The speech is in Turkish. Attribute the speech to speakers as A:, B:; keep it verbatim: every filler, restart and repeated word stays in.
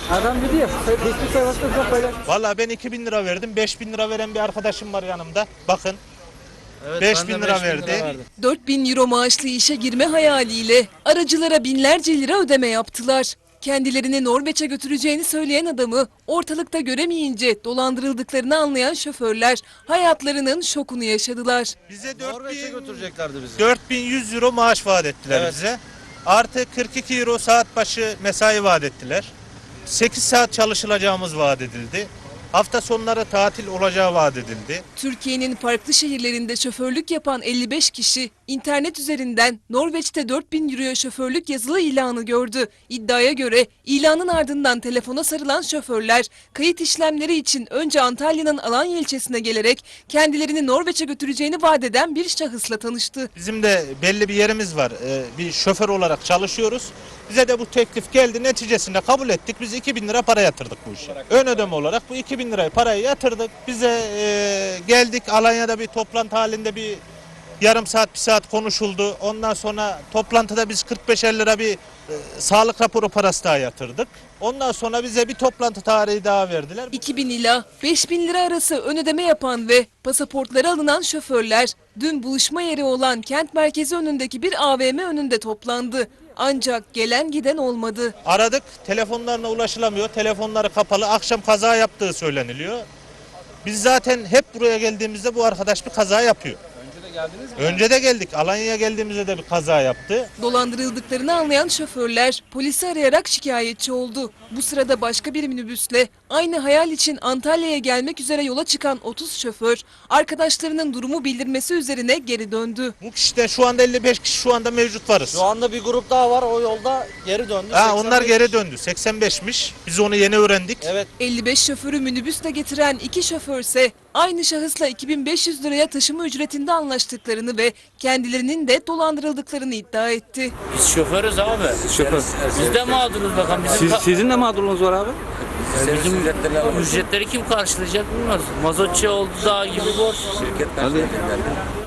A: Adam dedi ya, Facebook sayfasında çok paylaş.
B: Vallahi ben iki bin lira verdim. beş bin lira veren bir arkadaşım var yanımda. Bakın.
C: Evet,
B: beş bin lira verdi.
D: dört bin euro maaşlı işe girme hayaliyle aracılara binlerce lira ödeme yaptılar. Kendilerini Norveç'e götüreceğini söyleyen adamı ortalıkta göremeyince dolandırıldıklarını anlayan şoförler hayatlarının şokunu yaşadılar.
B: Bize
C: Norveç'e götüreceklerdi bizi.
B: dört bin yüz euro maaş vaat ettiler
C: Evet.
B: bize. Artı kırk iki euro saat başı mesai vaat ettiler. sekiz saat çalışılacağımız vaat edildi. Hafta sonları tatil olacağı vaat edildi.
D: Türkiye'nin farklı şehirlerinde şoförlük yapan elli beş kişi internet üzerinden Norveç'te dört bin euroya şoförlük yazılı ilanı gördü. İddiaya göre ilanın ardından telefona sarılan şoförler kayıt işlemleri için önce Antalya'nın Alanya ilçesine gelerek kendilerini Norveç'e götüreceğini vaat eden bir şahısla tanıştı.
B: Bizim de belli bir yerimiz var. Ee, bir şoför olarak çalışıyoruz. Bize de bu teklif geldi. Neticesinde kabul ettik. Biz iki bin lira para yatırdık bu işe. Ön ödeme olarak bu iki bin lirayı parayı yatırdık. Bize e, geldik. Alanya'da bir toplantı halinde bir yarım saat bir saat konuşuldu. Ondan sonra toplantıda biz kırk beşer lira bir e, sağlık raporu parası daha yatırdık. Ondan sonra bize bir toplantı tarihi daha verdiler.
D: iki bin ila beş bin lira arası ön ödeme yapan ve pasaportları alınan şoförler dün buluşma yeri olan kent merkezi önündeki bir A V M önünde toplandı. Ancak gelen giden olmadı.
B: Aradık, telefonlarına ulaşılamıyor, telefonları kapalı, akşam kaza yaptığı söyleniliyor. Biz zaten hep buraya geldiğimizde bu arkadaş bir kaza yapıyor.
C: Önce de geldiniz mi?
B: Önce de geldik, Alanya'ya geldiğimizde de bir kaza yaptı.
D: Dolandırıldıklarını anlayan şoförler polisi arayarak şikayetçi oldu. Bu sırada başka bir minibüsle aynı hayal için Antalya'ya gelmek üzere yola çıkan otuz şoför arkadaşlarının durumu bildirmesi üzerine geri döndü.
B: Bu kişide şu anda elli beş kişi şu anda mevcut varız.
C: Şu anda bir grup daha var, o yolda geri döndü.
B: Ha, onlar
C: seksen beş.
B: geri döndü, seksen beşmiş. Biz onu yeni öğrendik.
C: Evet.
D: elli beş şoförü minibüsle getiren iki şoförse aynı şahısla iki bin beş yüz liraya taşıma ücretinde anlaştıklarını ve kendilerinin de dolandırıldıklarını iddia etti.
E: Biz şoförüz abi.
A: Şoför.
E: Biz de mağduruz bakalım. Bizim,
A: Siz,
E: ka-
A: sizin de mağdurluğunuz var abi.
E: bizim ücretleri kim karşılayacak bilmiyoruz. Mazotçu oldu dağ gibi borç.
A: Hadi.